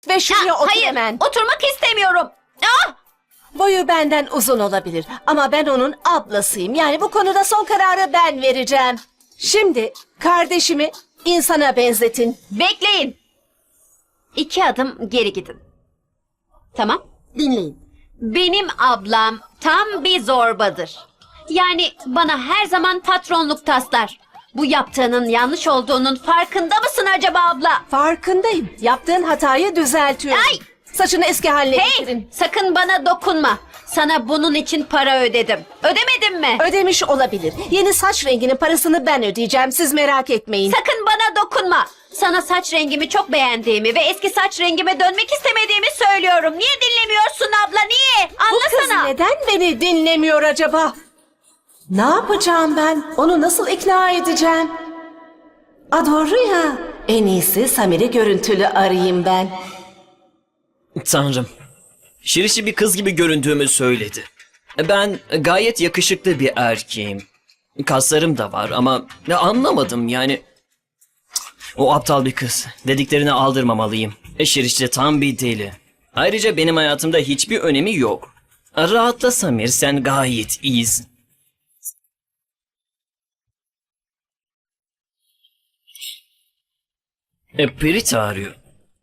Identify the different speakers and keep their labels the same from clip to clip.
Speaker 1: Ve şuraya otur
Speaker 2: Hayır,
Speaker 1: hemen.
Speaker 2: oturmak istemiyorum. Ah!
Speaker 1: Boyu benden uzun olabilir ama ben onun ablasıyım. Yani bu konuda son kararı ben vereceğim. Şimdi kardeşimi insana benzetin.
Speaker 2: Bekleyin. 2 adım geri gidin. Tamam.
Speaker 1: Dinleyin.
Speaker 2: Benim ablam tam bir zorbadır. Yani bana her zaman patronluk taslar. Bu yaptığının yanlış olduğunun farkında mısın acaba abla?
Speaker 1: Farkındayım. Yaptığın hatayı düzeltiyorum.
Speaker 2: Ay!
Speaker 1: Saçını eski haline
Speaker 2: Hey!
Speaker 1: getirin.
Speaker 2: Sakın bana dokunma. Sana bunun için para ödedim. Ödemedim mi?
Speaker 1: Ödemiş olabilir. Yeni saç renginin parasını ben ödeyeceğim. Siz merak etmeyin.
Speaker 2: Sakın bana dokunma. Sana saç rengimi çok beğendiğimi ve eski saç rengime dönmek istemediğimi söylüyorum. Niye dinlemiyorsun abla? Niye?
Speaker 1: Bu kız
Speaker 2: Anlasana.
Speaker 1: neden beni dinlemiyor acaba? Ne yapacağım ben? Onu nasıl ikna edeceğim? Doğru ya. En iyisi Samir'i görüntülü arayayım ben.
Speaker 3: Tanrım. Şirişi bir kız gibi göründüğümü söyledi. Ben gayet yakışıklı bir erkeğim. Kaslarım da var ama anlamadım yani. O aptal bir kız. Dediklerini aldırmamalıyım. Şiriş de tam bir deli. Ayrıca benim hayatımda hiçbir önemi yok. Rahatla Samir, sen gayet iyisin. Prita arıyor.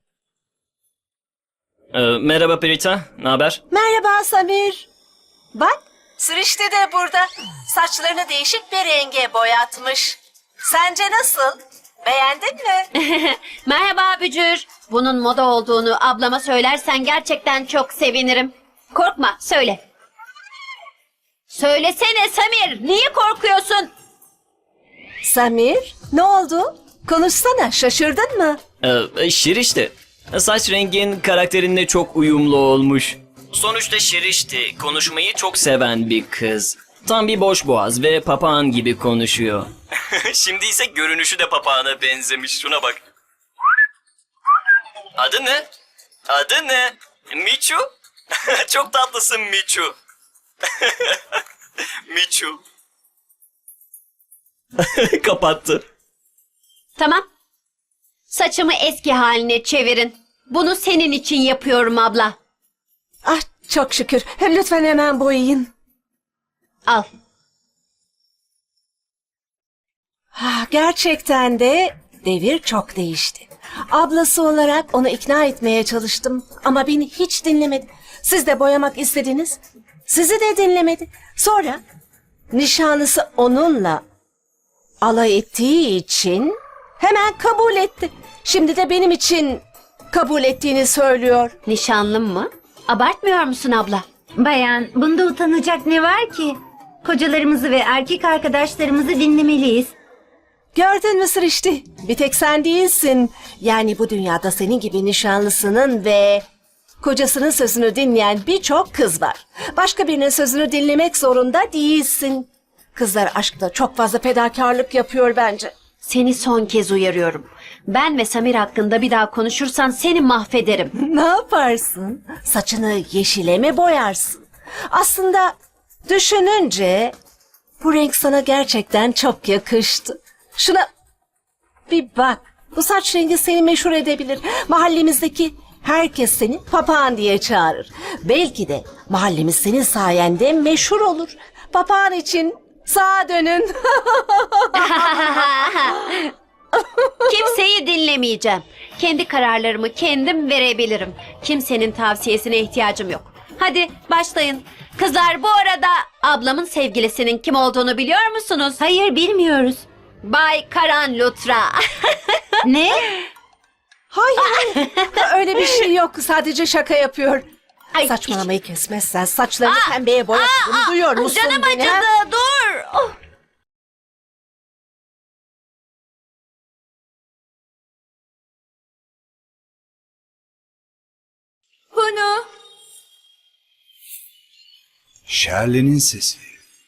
Speaker 3: Merhaba Prita, ne haber?
Speaker 1: Merhaba Samir. Bak, Sürişte de burada. Saçlarını değişik bir renge boyatmış. Sence nasıl? Beğendin mi?
Speaker 2: Merhaba Bücür. Bunun moda olduğunu ablama söylersen gerçekten çok sevinirim. Korkma, söyle. Söylesene Samir, niye korkuyorsun?
Speaker 1: Samir, ne oldu? Konuşsana, şaşırdın mı?
Speaker 3: Şiriş de. Saç rengin karakterinle çok uyumlu olmuş. Sonuçta Şiriş de konuşmayı çok seven bir kız. Tam bir boş boğaz ve papağan gibi konuşuyor. Şimdi ise görünüşü de papağana benzemiş. Şuna bak. Adı ne? Adı ne? Miçu? Çok tatlısın Miçu. Miçu. Kapattı.
Speaker 2: Tamam. Saçımı eski haline çevirin. Bunu senin için yapıyorum abla.
Speaker 1: Ah, çok şükür. Lütfen hemen boyayın.
Speaker 2: Al.
Speaker 1: Gerçekten de devir çok değişti. Ablası olarak onu ikna etmeye çalıştım ama beni hiç dinlemedi. Siz de boyamak istediniz. Sizi de dinlemedi. Sonra nişanlısı onunla alay ettiği için hemen kabul etti. Şimdi de benim için kabul ettiğini söylüyor.
Speaker 2: Nişanlım mı? Abartmıyor musun abla?
Speaker 4: Bayan, bunda utanacak ne var ki? Kocalarımızı ve erkek arkadaşlarımızı dinlemeliyiz.
Speaker 1: Gördün mü Sırıştı? Bir tek sen değilsin. Yani bu dünyada senin gibi nişanlısının ve kocasının sözünü dinleyen birçok kız var. Başka birinin sözünü dinlemek zorunda değilsin. Kızlar aşkta çok fazla fedakarlık yapıyor bence.
Speaker 2: Seni son kez uyarıyorum. Ben ve Samir hakkında bir daha konuşursan seni mahvederim.
Speaker 1: Ne yaparsın? Saçını yeşile mi boyarsın? Aslında düşününce bu renk sana gerçekten çok yakıştı. Şuna bir bak. Bu saç rengi seni meşhur edebilir. Mahallemizdeki herkes seni papağan diye çağırır. Belki de mahallemiz senin sayende meşhur olur. Papağan için sağa dönün.
Speaker 2: Kimseyi dinlemeyeceğim. Kendi kararlarımı kendim verebilirim. Kimsenin tavsiyesine ihtiyacım yok. Hadi başlayın. Kızlar, bu arada ablamın sevgilisinin kim olduğunu biliyor musunuz?
Speaker 4: Hayır, bilmiyoruz.
Speaker 2: Bay Karan Lutra.
Speaker 4: Ne?
Speaker 1: Hayır, öyle bir şey yok. Sadece şaka yapıyor.
Speaker 2: Ay,
Speaker 1: Saçmalamayı kesmezsen saçlarını pembeye boyatırım. Duyuyor musun
Speaker 2: Canım
Speaker 1: beni? ha?
Speaker 2: acıdı, dur. Oh. Bunu.
Speaker 5: Shirley'nin sesi.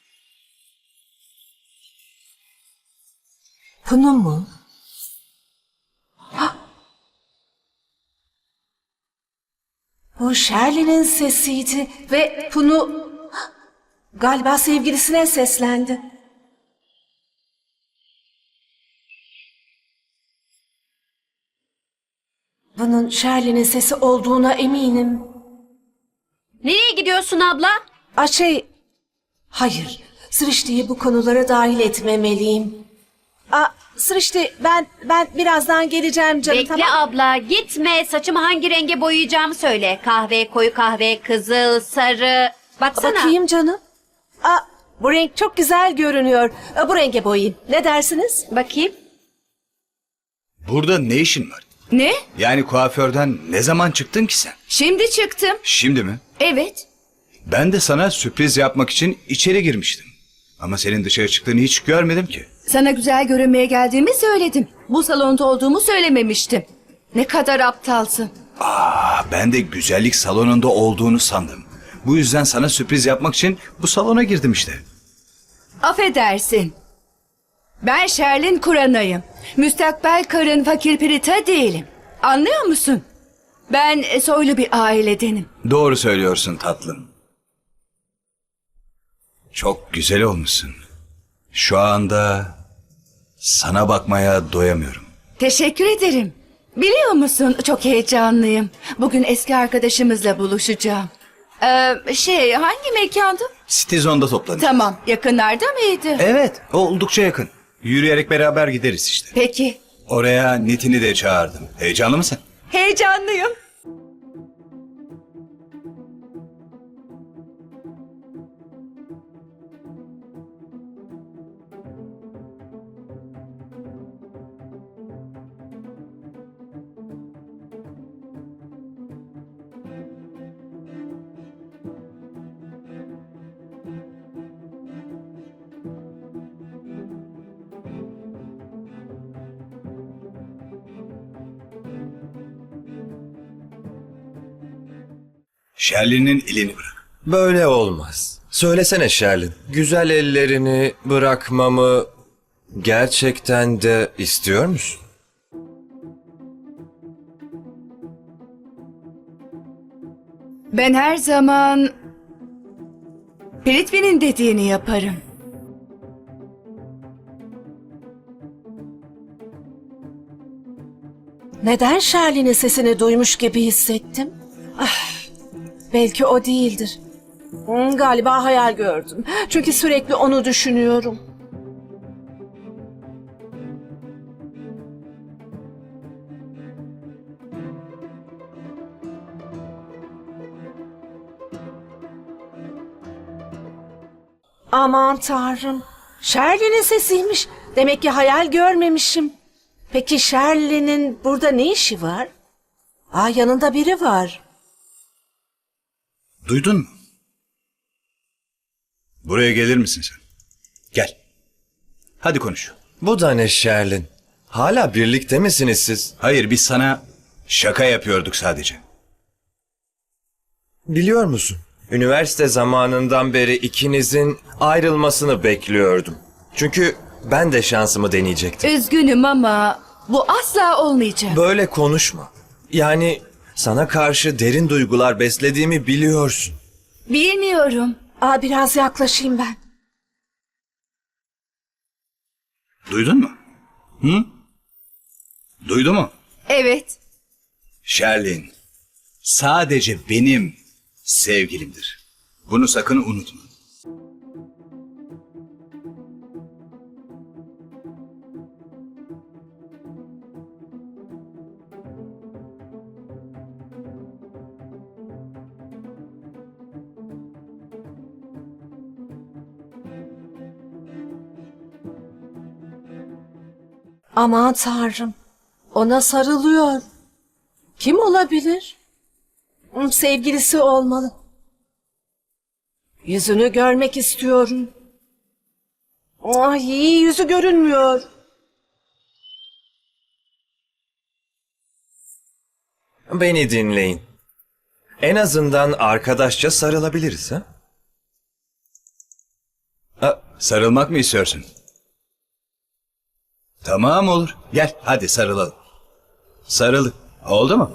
Speaker 1: Bunu mu? Hah! Bu Shirley'nin sesiydi ve bunu galiba sevgilisine seslendi. Bunu Bunun Shirley'nin sesi olduğuna eminim.
Speaker 2: Nereye gidiyorsun abla?
Speaker 1: Hayır. Srişti'yi bu konulara dahil etmemeliyim. Srişti, ben birazdan geleceğim canım,
Speaker 2: Bekle
Speaker 1: tamam?
Speaker 2: abla, gitme. Saçımı hangi renge boyayacağımı söyle. Kahve, koyu kahve, kızıl, sarı. Baksana.
Speaker 1: Bakayım canım. Bu renk çok güzel görünüyor. Bu renge boyayayım. Ne dersiniz?
Speaker 2: Bakayım.
Speaker 5: Burada ne işin var?
Speaker 6: Ne?
Speaker 5: Yani kuaförden ne zaman çıktın ki sen?
Speaker 6: Şimdi çıktım.
Speaker 5: Şimdi mi?
Speaker 6: Evet.
Speaker 5: Ben de sana sürpriz yapmak için içeri girmiştim. Ama senin dışarı çıktığını hiç görmedim ki.
Speaker 6: Sana güzel görünmeye geldiğimi söyledim. Bu salonda olduğumu söylememiştim. Ne kadar aptalsın.
Speaker 5: Ben de güzellik salonunda olduğunu sandım. Bu yüzden sana sürpriz yapmak için bu salona girdim işte.
Speaker 6: Affedersin. Ben Sherlin Kuranayım. Müstakbel karın fakir Pirita değilim. Anlıyor musun? Ben soylu bir ailedenim.
Speaker 5: Doğru söylüyorsun tatlım. Çok güzel olmuşsun. Şu anda sana bakmaya doyamıyorum.
Speaker 6: Teşekkür ederim. Biliyor musun, çok heyecanlıyım. Bugün eski arkadaşımızla buluşacağım. Hangi mekandı?
Speaker 5: Citizen'da toplanacağız.
Speaker 6: Tamam, yakınlarda mıydı?
Speaker 5: Evet, oldukça yakın. Yürüyerek beraber gideriz işte.
Speaker 6: Peki,
Speaker 5: Oraya Nitin'i de çağırdım. Heyecanlı mısın?
Speaker 6: heyecanlıyım.
Speaker 5: Shirley'nin elini bırak.
Speaker 7: Böyle olmaz. Söylesene Sherlin. Güzel ellerini bırakmamı gerçekten de istiyor musun?
Speaker 6: Ben her zaman Pritvi'nin dediğini yaparım.
Speaker 1: Neden Shirley'nin sesini duymuş gibi hissettim? Belki o değildir. Galiba hayal gördüm. Çünkü sürekli onu düşünüyorum. Aman tanrım. Shirley'nin sesiymiş. Demek ki hayal görmemişim. Peki Shirley'nin burada ne işi var? Yanında biri var.
Speaker 5: Duydun mu? Buraya gelir misin sen? Gel. Hadi konuş.
Speaker 7: Bu da ne Sherlin? Hala birlikte misiniz siz?
Speaker 5: Hayır, biz sana şaka yapıyorduk sadece.
Speaker 7: Biliyor musun? Üniversite zamanından beri ikinizin ayrılmasını bekliyordum. Çünkü ben de şansımı deneyecektim.
Speaker 6: Üzgünüm ama bu asla olmayacak.
Speaker 7: Böyle konuşma. Yani sana karşı derin duygular beslediğimi biliyorsun.
Speaker 6: Bilmiyorum.
Speaker 1: Biraz yaklaşayım ben.
Speaker 5: Duydun mu? Hı? Duydu mu?
Speaker 6: Evet.
Speaker 5: Sherlin sadece benim sevgilimdir. Bunu sakın unutma.
Speaker 1: Aman tanrım. Ona sarılıyor. Kim olabilir? Sevgilisi olmalı. Yüzünü görmek istiyorum. İyi yüzü görünmüyor.
Speaker 7: Beni dinleyin. En azından arkadaşça sarılabiliriz ha?
Speaker 5: Sarılmak mı istiyorsun? Tamam olur. Gel hadi sarılalım. Sarılın. Oldu mu?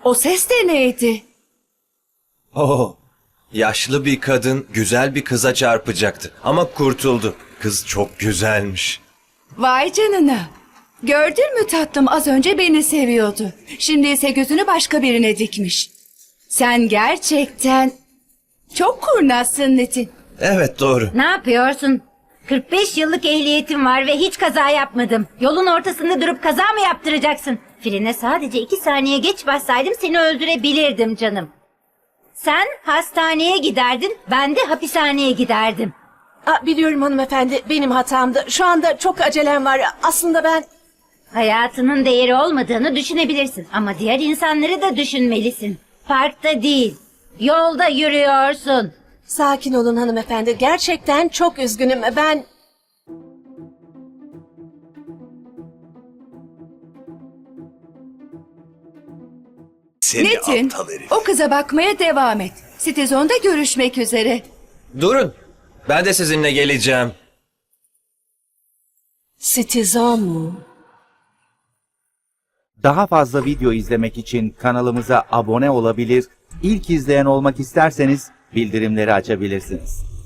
Speaker 6: O ses de neydi?
Speaker 7: Oh, yaşlı bir kadın güzel bir kıza çarpacaktı ama kurtuldu. Kız çok güzelmiş.
Speaker 6: Vay canına. Gördün mü tatlım, az önce beni seviyordu. Şimdi ise gözünü başka birine dikmiş. Sen gerçekten çok kurnazsın Nitin.
Speaker 7: Evet, doğru.
Speaker 4: Ne yapıyorsun? 45 yıllık ehliyetim var ve hiç kaza yapmadım. Yolun ortasında durup kaza mı yaptıracaksın? Frene sadece 2 saniye geç bassaydım seni öldürebilirdim canım. Sen hastaneye giderdin, ben de hapishaneye giderdim.
Speaker 1: Biliyorum hanımefendi, benim hatamdı. Şu anda çok acelem var. Aslında ben...
Speaker 4: Hayatının değeri olmadığını düşünebilirsin ama diğer insanları da düşünmelisin. Parkta değil, yolda yürüyorsun.
Speaker 1: Sakin olun hanımefendi. Gerçekten çok üzgünüm. Ben...
Speaker 5: Seni
Speaker 6: Nitin,
Speaker 5: aptal herif.
Speaker 6: o kıza bakmaya devam et. Citizen'da görüşmek üzere.
Speaker 7: Durun. Ben de sizinle geleceğim.
Speaker 1: Citizen mu?
Speaker 8: Daha fazla video izlemek için kanalımıza abone olabilir, ilk izleyen olmak isterseniz bildirimleri açabilirsiniz.